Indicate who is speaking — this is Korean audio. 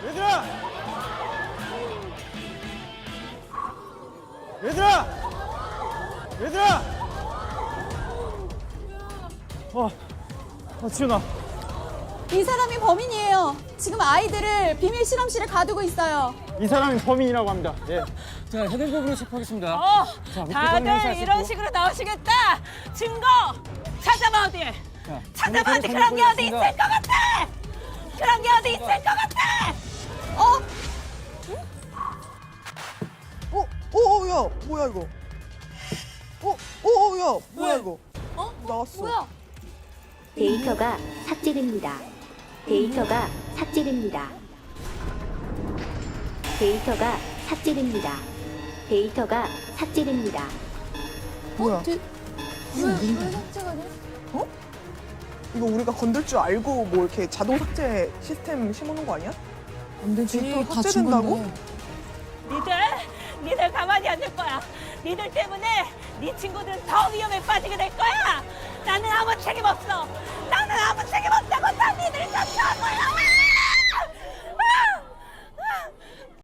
Speaker 1: 얘들아! 얘들아! 얘들아! 지훈아.
Speaker 2: 이 사람이 범인이에요. 지금 아이들을 비밀 실험실에 가두고 있어요.
Speaker 1: 이 사람이 범인이라고 합니다. 예.
Speaker 3: 자, 현행법으로 체포하겠습니다. 자,
Speaker 4: 다들 이런 식으로 나오시겠다. 증거 찾아봐 어디. 찾아봐 어디. 그런 게 어디 있을 것 같아. 그런 게 어디 있을 것 같아.
Speaker 5: 야, 뭐야 이거? 야, 뭐야 이거? 나왔어.
Speaker 2: 뭐야?
Speaker 6: 데이터가 삭제됩니다. 데이터가 삭제됩니다. 데이터가 삭제됩니다. 데이터가 삭제됩니다.
Speaker 5: 뭐야?
Speaker 2: 왜 삭제가 돼?
Speaker 5: 이거 우리가 건들 줄 알고 뭐 이렇게 자동 삭제 시스템 심어놓은 거 아니야? 안 되지. 데이터 삭제된다고?
Speaker 4: 니들 가만히 안 둘 거야. 니들 때문에 네 친구들은 더 위험에 빠지게 될 거야. 나는 아무 책임 없어. 나는 아무 책임 없다고.